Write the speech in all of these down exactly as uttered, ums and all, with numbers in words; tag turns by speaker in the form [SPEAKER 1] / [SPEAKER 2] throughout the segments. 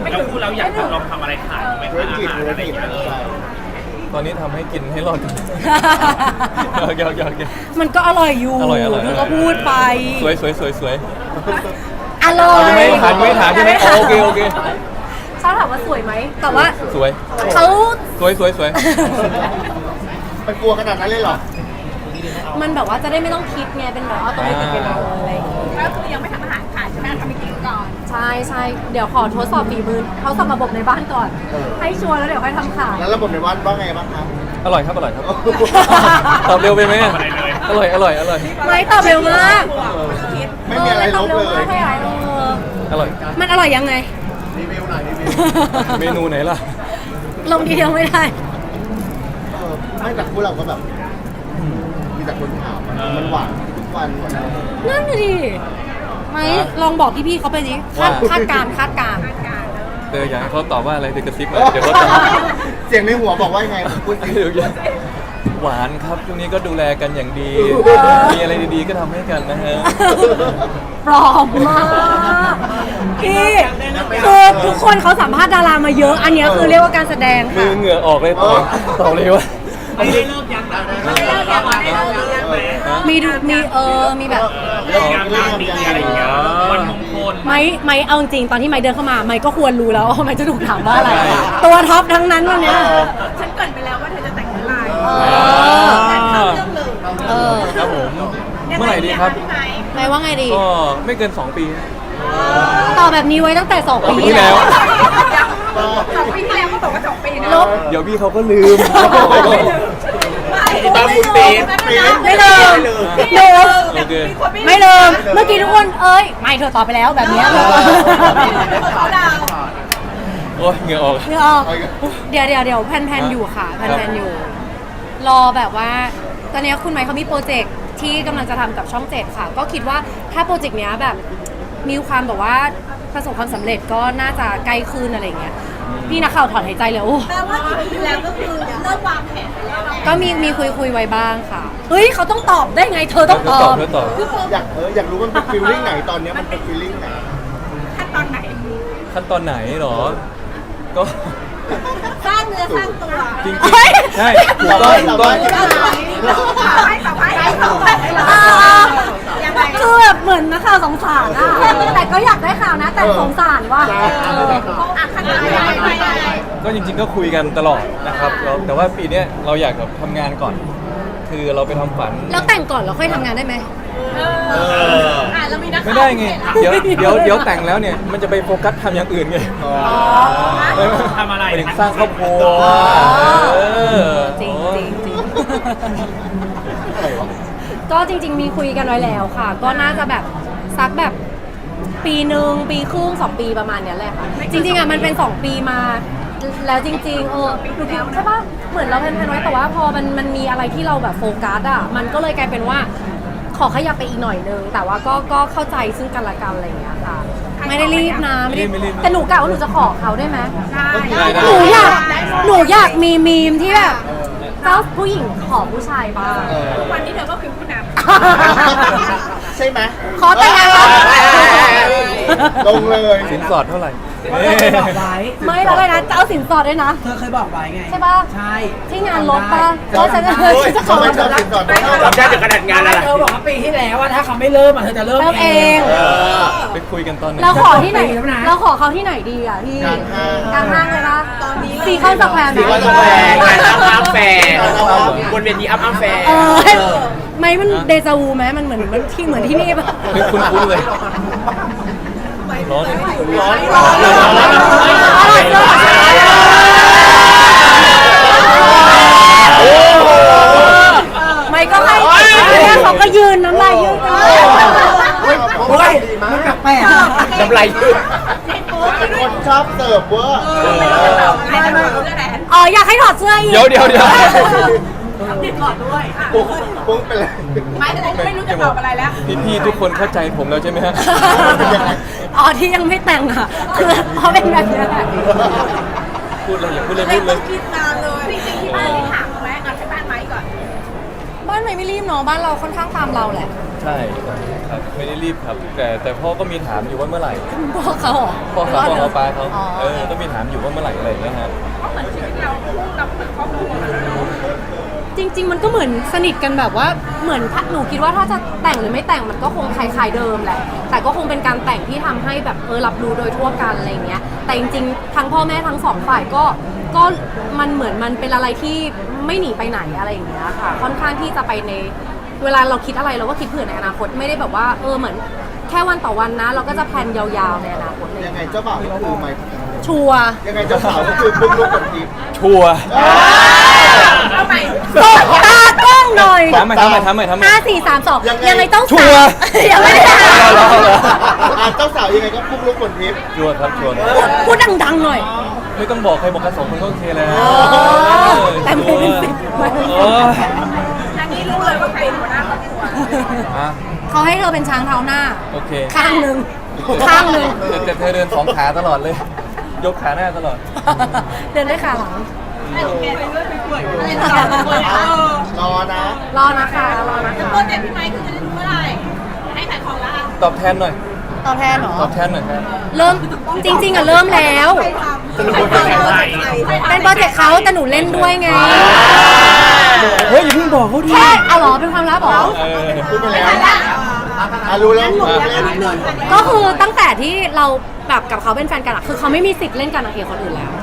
[SPEAKER 1] แล้วพูดแล้วอยากลองทำอะไรขายไหม
[SPEAKER 2] ธุร
[SPEAKER 1] คะ
[SPEAKER 2] กิจ
[SPEAKER 1] อาหาร
[SPEAKER 2] ธุร
[SPEAKER 1] อะไรอ
[SPEAKER 2] กิจ
[SPEAKER 1] ย่างเงี้ย
[SPEAKER 2] ใช่
[SPEAKER 3] ตอนนี้ทำให้กินให้รอดกันยอกยอกยอก
[SPEAKER 4] มันก็อร่อยอยู่
[SPEAKER 3] อร่อยอร่อย
[SPEAKER 4] เธอก็พูดไป
[SPEAKER 3] สวยสวยสวยสวย
[SPEAKER 4] อร่อย
[SPEAKER 3] ไม่ถามไม่ถามใช่ไหมโอเคโอเค
[SPEAKER 4] ชอบถามว่าสวยไหมแต่ว่า
[SPEAKER 3] สวย
[SPEAKER 4] เขา
[SPEAKER 3] สวยสวยสวย
[SPEAKER 2] มันกลัวขนาดนั้นเลยเหรอ
[SPEAKER 4] มันแบบว่าจะได้ไม่ต้องคิดไงเป็นแบบว่าต้องไม่ติดเป็นอะไรอย่างเงี้ย
[SPEAKER 5] ก็คือยังไม่ทำอาหารขายใช่ไหมทำไปกินก่อน
[SPEAKER 4] ใช่ใช่เดี๋ยวขอทดสอบฝีมือเขาสอบระบบในบ้านก่อน ให้ชัวร์แล้วเดี๋ยวค่อยทำขาย
[SPEAKER 2] แล้วระบบในวัดว่าไงบ้างครับ
[SPEAKER 3] อร่อยครับอร่อยครับตอบเร็วไปไหมอะอร่อยอร่อยอร่อย
[SPEAKER 4] ไม่ตอบเร็วมาก
[SPEAKER 2] ไม่มีอะไรลบเลย
[SPEAKER 4] ออไม่ตอบร็วมากให้อะไรเออ
[SPEAKER 3] อร่อย
[SPEAKER 4] มันอร่อยยังไง
[SPEAKER 2] รีวิวหน่อยรีวิว
[SPEAKER 3] เมนูไหนล่ะ
[SPEAKER 4] ลงทีเดียวไม่ได้
[SPEAKER 2] เออไม่แต่คู่เราก็แบบมีแต่คนถามมันมันหวานทุกวันหมดเลย
[SPEAKER 4] นั่นน่ะดิไม่ลองบอกพี่ๆเขาไปดิคาด
[SPEAKER 3] ว่า
[SPEAKER 4] คาดการณ์คาดการณ์
[SPEAKER 3] เอออยากให้เขาตอบว่าอะไรเดี๋ยวกระซิบมาเดี๋ยวเขาตอบ
[SPEAKER 2] เสียงในหัวบอกว่ายังไงพูดสิ
[SPEAKER 3] เดี๋ยวอย่าหวานครับช่วงนี้ก็ดูแลกันอย่างดี มีอะไรดีๆก็ทำให้กันนะฮะ
[SPEAKER 4] ปลอมมากพี่คือทุกคนเขาสัมภาษณ์ดารามาเยอะ อันเนี้ยคือเรียกว่าการแสดง
[SPEAKER 3] มื
[SPEAKER 4] ค่ะ
[SPEAKER 3] อเหงื่อออกเลยตอบตอบเลยว่า
[SPEAKER 1] ไม่ได้เลิกยังนะไม่ได้เลิกยังไม่ได้เลิกยังไหม
[SPEAKER 4] มีดูมีเออมีแบบ
[SPEAKER 1] เลิกยังงานดีอะไรอย่างเงี้ยวันมงคล
[SPEAKER 4] ไม้ไม้เอาจริงตอนที่ไม้เดินเข้ามาไม้ก็ควรรู้แล้วว่าไม้จะถูกถามว่าอะไร ตัวท็อปทั้งนั้นวันเนี้ย
[SPEAKER 5] ฉันเกรินไปแล้วว่าเธอจะแต่งเมื่อไหร่
[SPEAKER 4] เออ
[SPEAKER 5] แต่เข้าเรื่องเลย
[SPEAKER 4] เออ
[SPEAKER 3] ครับผม เมื่อไหร่ดีครับ
[SPEAKER 5] พี่ไหม
[SPEAKER 4] ไม้ว่าไงดี
[SPEAKER 3] ก็ไม่เกินสองปี
[SPEAKER 4] ตอบแบบนี้ไว้ตั้งแต่สอง
[SPEAKER 3] ปี
[SPEAKER 4] ปี
[SPEAKER 3] ที่
[SPEAKER 4] ที่
[SPEAKER 3] แล้
[SPEAKER 4] แล้ว ว
[SPEAKER 5] สองปีที่แล้วก็บอกว่าสองปีนะ
[SPEAKER 4] ลบ
[SPEAKER 3] เดี๋ยวพี่เขาก็ลืม
[SPEAKER 1] ตามคุณตีน
[SPEAKER 4] ไม่ลืมหนู
[SPEAKER 3] โอเค
[SPEAKER 4] ไม่ลืมเมื่อกี้ทุกคนเอ้ยไม่เธอตอบไปแล้วแบบเนี้ย
[SPEAKER 5] เขาดาว
[SPEAKER 3] โอ้ยเหงื่อออก
[SPEAKER 4] เดี๋ยวออกเดี๋ยวเดี๋ยวเดี๋ยวแพนๆอยู่ค่ะแพนๆอยู่ รอแบบว่า ตอนนี้คุณไมค์เขามีโปรเจกต์ที่กำลังจะทำกับช่องเจ็ดค่ะ ก็คิดว่าถ้าโปรเจกต์เนี้ยแบบมีความแบบว่าประสบความสำเร็จก็น่าจะใกล้ขึ้นอะไรอย่างเงี้ยพี่นักข่าวถอนหายใจเลยโอ้
[SPEAKER 5] แปลว่ากี่ปีที่แล้วก็คือเริ่มวางแผนไปแล้ว
[SPEAKER 4] ก็มีมีคุยคุยไว้บ้างค่ะเฮ้ยเขาต้องตอบได้ไง เธอต้อง
[SPEAKER 3] เธ
[SPEAKER 4] ต
[SPEAKER 3] อ
[SPEAKER 4] อ
[SPEAKER 3] ตอบบ เธอตอบ
[SPEAKER 2] อยากเอออยากรู้มันเป็นฟีลลิ่งไหนตอนเนี้ยมันเป็นฟีลลิ่งไหน
[SPEAKER 5] ขั้นตอนไหน
[SPEAKER 3] ขั้นตอนไหนหรอ ก็
[SPEAKER 5] สร้างเนื้อสร้างตัว
[SPEAKER 3] จริงๆใช่ถูกต้องถูกต้อง
[SPEAKER 5] ต่อให้ต่อให้ต่อให้ยังไง
[SPEAKER 4] คือแบบเหมือนนักข่าวสงสารอะแต่ก็อยากได้ข่าวนะ แต่สงสารว่า
[SPEAKER 5] อ่ะขั้นตอนยังไงยังไง
[SPEAKER 3] ก็จริงๆก็คุยกันตลอดนะครับแล้วแต่ว่าปีเนี้ยเราอยากแบบทำงานก่อน คือเราไปทำฝัน
[SPEAKER 4] แล้วแต่งก่อนแล้วค่อยทำงานได้ไหม
[SPEAKER 5] เอออ่ะเรามีนัก
[SPEAKER 3] ไม่ได้ไง เดี๋ยวเดี๋ยวเดี๋ยวแต่งแล้วเนี่ยมันจะไปโฟกัสทำอย่างอื่นไง
[SPEAKER 1] ทำอะไร
[SPEAKER 3] หมายถึงสร้างครอบครัวเออ
[SPEAKER 4] จริงจริงจริงก็จริง ๆ มีคุยกันไว้แล้วค่ะ ก็น่าจะแบบสักแบบปีหนึ่งปีครึ่งสองปีประมาณเนี้ยแหละค่ะจริงๆอ่ะมันเป็นสองปีมา แล้วจริง ๆ เออหนูคิดใช่ปะเหมือนเราแพลนๆไว้แต่ว่าพอมันมันมีอะไรที่เราแบบโฟกัสอ่ะมันก็เลยกลายเป็นว่า ขอขยับไปอีกหน่อยนึงแต่ว่าก็ก็เข้าใจซึ่งกันและกันอะไรอย่างเงี้ยค่ะ ไม่ได้รีบนะไม่ได้แต่หนูกะว่าหนูจะขอเขาได้ไหม
[SPEAKER 3] ได้ได้
[SPEAKER 4] หนูอยากหนูอยากมีมีมที่แบบเจ้าผู้หญิงขอผู้ชายบ้าง
[SPEAKER 5] วันนี้เธอก็คือผู้น
[SPEAKER 2] ใช่ไหม
[SPEAKER 4] ขอแต่งงานแล้ว
[SPEAKER 2] ลงเลย
[SPEAKER 3] สินสอดเท่าไหร่
[SPEAKER 6] เธอเคยบอกไว้
[SPEAKER 4] ไม่แล้วเลยนะจะเอาสินสอดด้วยนะ
[SPEAKER 6] เธอเคยบอกไว้ไง
[SPEAKER 4] ใช่ป่ะ
[SPEAKER 6] ใช่
[SPEAKER 4] ที่งานลบป่ะแล้วฉันจะ
[SPEAKER 2] โอ้ย
[SPEAKER 4] จะข
[SPEAKER 2] ทำ
[SPEAKER 4] อ
[SPEAKER 2] ไมชอบสินสอดต้อง
[SPEAKER 1] จำได้ถึงขนาดงานอะไร
[SPEAKER 6] เธอบอกว่าปีที่แล้วว่าถ้าเขาไม่เริ่มอ่ะเธอจะเริ่ม
[SPEAKER 4] เริ่มเอง
[SPEAKER 2] เออ
[SPEAKER 3] ไปคุยกันตอนไหน
[SPEAKER 4] เราขอที่ไหน
[SPEAKER 6] จะต้องปีแล้วนะ
[SPEAKER 4] เราขอเขาที่ไหนดีอ่ะพี่
[SPEAKER 2] กลางห้าง
[SPEAKER 4] กลางห้างเลยนะตอนนี้ซีคอนสแควร์
[SPEAKER 2] ซีคอนสแควร์
[SPEAKER 1] งานอัพอัพแฟร์บนเวทีอัพอัพแฟร์
[SPEAKER 4] เออไม่มันเดจาวูไหมมันเหมือนมันที่เหมือนที่นี่ป่ะ
[SPEAKER 3] ไม่คุ้นๆเลย ร้อน
[SPEAKER 2] ร้อน
[SPEAKER 1] ร้อน
[SPEAKER 4] ไม่ก็ให้เนี่ยเขาก็ยืนน้ำลายยืดกันเลย
[SPEAKER 6] โอ้ยมันแปลกๆอะ
[SPEAKER 1] น้ำลายยืด
[SPEAKER 2] เป็นคนชอบเสิร์ฟเวอร์
[SPEAKER 5] ำไม่ไม่เพื่อไหน
[SPEAKER 4] อ๋ออยากให้ถอดเสื้ออีก
[SPEAKER 3] เดี๋ยวเดี๋ยวเดี๋ยว
[SPEAKER 5] ติดก่อนด้วย
[SPEAKER 2] ปุ้งปุ้งเป็นไร
[SPEAKER 5] ไม่ไม่รู้จะตอบอะไรแล้ว
[SPEAKER 3] พี่ๆทุกคนเข้าใจผมแล้วใช่ไหมฮะ
[SPEAKER 4] อ๋อที่ยังไม่แต่งอ่ะคือเพราะเป็นแบบนี้แหละ
[SPEAKER 3] พูดเลยอย่าพูดเลย
[SPEAKER 5] ไม่
[SPEAKER 3] พูดเล
[SPEAKER 5] ต้อย งคิดนานเลยจริงๆที่บ้านที่ถามไหมเอาที่บ้านไหมก่อน
[SPEAKER 4] บ้านไม่ไม่รีบเนาะบ้านเราค่อนข้างตามเราแหละ
[SPEAKER 3] ใใช่ครับไม่ได้รีบครับ แต่แต่พ่อก็มีถามอยู่ว่าเมื่อไหร่
[SPEAKER 4] พ่อเขาเหรอ
[SPEAKER 3] พ่อเขาพ่อเขาป้าเขา
[SPEAKER 4] อ๋อ
[SPEAKER 3] เออก็มีถามอยู่ว่าเมื่อไหร่อะไรอย่างเงี้ยฮะ
[SPEAKER 5] ก็เหมือนชีวิตเราคู่กับเหมือนครอบครัวเลย
[SPEAKER 4] จริง ๆ มันก็เหมือนสนิทกันแบบว่าเหมือนถ้าหนูคิดว่าถ้าจะแต่งหรือไม่แต่งมันก็คงคล้ายๆเดิมแหละแต่ก็คงเป็นการแต่งที่ทำให้แบบเออรับรู้โดยทั่วกันอะไรอย่างเงี้ยแต่จริงๆทั้งพ่อแม่ทั้งสองฝ่ายก็ก็มันเหมือนมันเป็นอะไรที่ไม่หนีไปไหนอะไรอย่างเงี้ยค่ะค่อนข้างที่จะไปในเวลาเราคิดอะไรเราก็คิดเผื่อในอนาคตไม่ได้แบบว่าเออเหมือนแค่วันต่อวันนะ เราก็จะแพลนยาวๆในอนาคตเลย
[SPEAKER 2] ยังไงเจ้าบ่าวก็คือไม่
[SPEAKER 4] ชัวร์
[SPEAKER 2] ยังไงเจ้าสาวก็คือปุ๊บลูกกับทิพย์
[SPEAKER 3] ชัวร์
[SPEAKER 5] เอาใหม่
[SPEAKER 4] ตบตากล้องหน่อย
[SPEAKER 3] ทำไมทำไมทำไมทำไม
[SPEAKER 4] ห้าสี่สามสองยังไงต้อง
[SPEAKER 3] ชัวร์
[SPEAKER 4] ยังไม่ได้ถาม
[SPEAKER 3] เอาแล้วเอาแล้ว
[SPEAKER 2] อ่ะเจ้าสาวยังไงก็ปุ๊บลูกกับทิพย์
[SPEAKER 3] ชัวร์ครับชัวร์
[SPEAKER 4] พูดดังๆหน่อย
[SPEAKER 3] ไม่ต้องบอกใครบอกกันสองคนก็โอเคแล้ว
[SPEAKER 4] อ๋อแต่ไม่เป็นสิบไม่เป็นสิบ
[SPEAKER 3] โอ้ย
[SPEAKER 5] อันนี้รู้เลยว่าใครเป็นหัวหน้าครอบครัว
[SPEAKER 3] อ่ะ
[SPEAKER 4] เขาให้เธอเป็นช้างเท้าหน้า
[SPEAKER 3] โอเค
[SPEAKER 4] ข้างหนึ่งข้างหนึ่ง
[SPEAKER 3] แต่แต่เธอเดินสองขาตลอดเลย ยกขาหน้าตลอด
[SPEAKER 4] เดินด้วยขาหลัง
[SPEAKER 5] ให้ของแกไปเรื่อยไปเปื่อยอะไรต่อไปเออ
[SPEAKER 2] รอนะ
[SPEAKER 4] รอนะคะรอนะคะ
[SPEAKER 5] โปรเจกต์พี่ไมค์คือจะได้รู้เมื่อไหร่ให้ขายของละ
[SPEAKER 3] ตอบแทนหน่อย
[SPEAKER 4] ตอบแทนเหรอ
[SPEAKER 3] ตอบแทนหน่อยครับ
[SPEAKER 4] เริ่มจริง ๆอะเริ่มแล้ว เป็นโปรเจกต์เขาแต่หนูเล่นด้วยไง
[SPEAKER 3] เฮ้ยอย่าเพิ่งบอกเขาดิ
[SPEAKER 4] แค่เอาเหรอเป็นความลับเหรอ
[SPEAKER 3] เออ
[SPEAKER 2] พูดไปแล้วอ่ะรู้แล้วรู้แล้ว
[SPEAKER 4] ก็คือตั้งแต่ที่เราแบบกับเขาเป็นแฟนกันอะคือเขาไม่มีสิทธิ์เล่นกับนางเอกคนอื่นแล้ว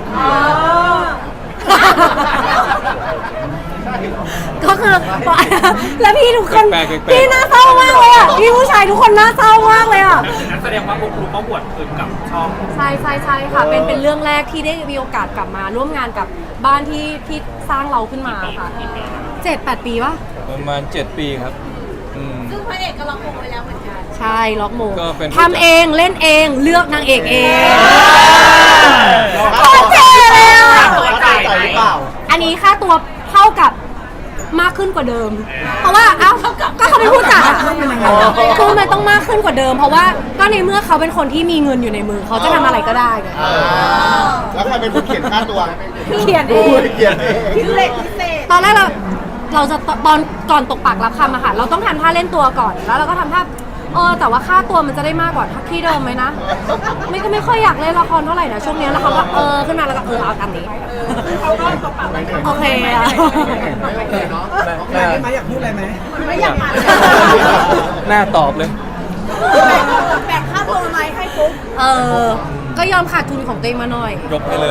[SPEAKER 4] ก็คือ แล้วพี่ทุกคน
[SPEAKER 3] แปลกๆ
[SPEAKER 4] พี่น่าเศร้ามากเลยอ่ะพี่ผู้ชายทุกคนน่าเศร้ามากเลยอ่ะ
[SPEAKER 1] งั้นแสดงว่าพวกคุณก็บวชคืนกับช่อง
[SPEAKER 4] ใช่ใช่ใช่ค่ะ เป็นเป็นเรื่องแรกที่ได้มีโอกาสกลับมาร่วมงานกับบ้านที่ที่สร้างเราขึ้นมาค่ะเจ็ดแปดปีวะ
[SPEAKER 3] ประมาณเจ็ดปีครับอืม
[SPEAKER 5] ซึ่งพระเอกก็ล็อกมงไว้แล้วเหมือนกัน
[SPEAKER 4] ใช่ล็อกโมง
[SPEAKER 3] ก็เป็น
[SPEAKER 4] ทำเองเล่นเองเลือกนางเอกเอง
[SPEAKER 2] โค
[SPEAKER 4] โคตรเท่เลยอ่ะ
[SPEAKER 2] จ่ายหรือเปล่า
[SPEAKER 4] อันนี้ค่าตัวเท่ากับมากขึ้นกว่าเดิม เพราะว่าเอ้าก็เขาเป็นผู้จัดอะคือมันต้องมากขึ้นกว่าเดิม เพราะว่าก็ในเมื่อเขาเป็นคนที่มีเงินอยู่ในมือเขาจะทำอะไรก็ได้ไง
[SPEAKER 2] อ่าแล้วใครเป็นคนเขียนค่าตัว
[SPEAKER 4] เขียนเอ
[SPEAKER 2] ดู
[SPEAKER 4] ง
[SPEAKER 2] เขียนเอง
[SPEAKER 5] พิเศษพิเศษ
[SPEAKER 4] ตอนแรกเราเราจะตอนก่อนตกปากรับคำอะค่ะเราต้องทำท่าเล่นตัวก่อนแล้วเราก็ทำท่าเออแต่ว่าค่าตัวมันจะได้มากกว่าที่เดิมไหมนะไม่ก็ไม่ค่อยอยากเล่นละครเท่าไหร่นะช่วงนี้แล้วเขาก็เออขึ้นมาแล้วก็เออเอาตามนี้
[SPEAKER 5] เขาก็ตบปากไม่
[SPEAKER 4] โอเคอะ
[SPEAKER 3] หน้า
[SPEAKER 6] ไม่อยากพูดอะไรไหม
[SPEAKER 5] ไม่อยากมา
[SPEAKER 3] หน้าตอบเลย
[SPEAKER 5] แบ่งค่าตัวไหมให้ปุ๊บ
[SPEAKER 4] เออก็ยอมขาดทุนของตัวเองมาหน่อย
[SPEAKER 3] ยกให้เลย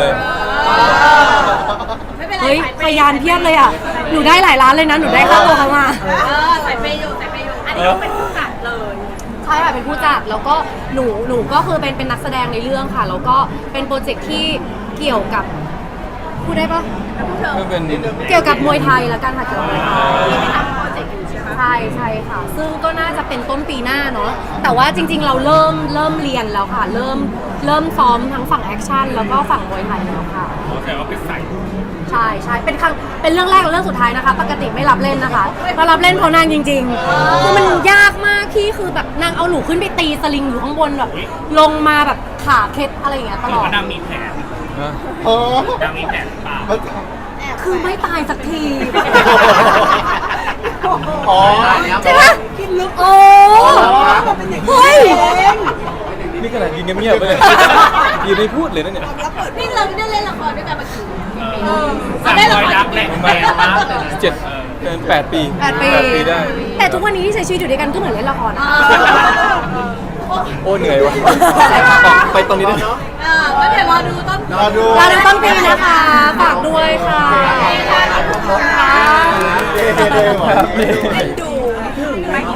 [SPEAKER 5] ไม่เป็นไร
[SPEAKER 4] เฮ้ยพยานเพียบเลยอ่ะ หนูได้หลายล้านเลยนะ หนูได้ค่าตัวเขามา
[SPEAKER 5] เออใส่ไปอยู่ใส่ไปอยู่อันนี้ก็เป็นผู้จัดเลย
[SPEAKER 4] ใช่ค่ะเป็นผู้จัด แล้วก็หนูหนูก็คือเป็นเป็นนักแสดงในเรื่องค่ะ แล้วก็เป็นโปรเจกต์ที่เกี่ยวกับพูดได้ปะ
[SPEAKER 3] ก็เป็น
[SPEAKER 4] เกี่ยวกับมวยไทยแล้วกันค่ะเกี่ยวกับมวยไทยใช่ใช่ค่ะ ซึ่งก็น่าจะเป็นต้นปีหน้าเนาะ แต่ว่าจริง ๆ เราเริ่มเริ่มเรียนแล้วค่ะ เริ่มเริ่มซ้อมทั้งฝั่งแอคชั่นแล้วก็ฝั่งมวยไทยแล้วค่ะ
[SPEAKER 1] แต่ว่าเป็นใส่
[SPEAKER 4] ใช่ใช่เป็นครั้งเป็นเรื่องแรกและเรื่องสุดท้ายนะคะ ปกติไม่รับเล่นนะคะมารับเล่นเพราะนางจริงๆคือมันยากมากที่คือแบบนางเอาหนูขึ้นไปตีสลิงอยู่ข้างบนแบบลงมาแบบขาเคล็ดอะไรอย่างเงี้ยต
[SPEAKER 1] ห
[SPEAKER 4] ล
[SPEAKER 1] รือ
[SPEAKER 4] อด
[SPEAKER 1] ว่านางมีแผน
[SPEAKER 3] นะ
[SPEAKER 2] เออน
[SPEAKER 1] างมีแผนหรือเปล่า
[SPEAKER 4] คือไม่ตายสักที
[SPEAKER 2] อ๋อ
[SPEAKER 4] ใช่ปะโอ้เฮ้ย
[SPEAKER 3] นี่ขนาดยืนเงียบๆไปเลยยืนไม่พูดเลยนะเนี่ย
[SPEAKER 5] นี่เราได้เล่นละครด้วยกันมากี่ปี
[SPEAKER 1] สามรอยรักแหละ
[SPEAKER 3] ประ
[SPEAKER 1] แม
[SPEAKER 3] มาณ
[SPEAKER 1] นมาก
[SPEAKER 3] เจ็ดเกินแปดปี
[SPEAKER 4] แปดปี
[SPEAKER 3] ได้
[SPEAKER 4] แต่ทุกวันนี้ที่ใช้ชีวิตอยู่ด้วยกันก็เหมือนเล่นละครอะ
[SPEAKER 3] โอ้เหนื่อยวะไปตรงนี้ได้ไหม
[SPEAKER 5] เออก็เดี๋ยวรอดูต้น
[SPEAKER 2] รอดู
[SPEAKER 4] เราในต้นปีนะคะฝากด้วยค่ะ
[SPEAKER 2] เย้เย้เย้
[SPEAKER 3] ครับ
[SPEAKER 5] เล่นดู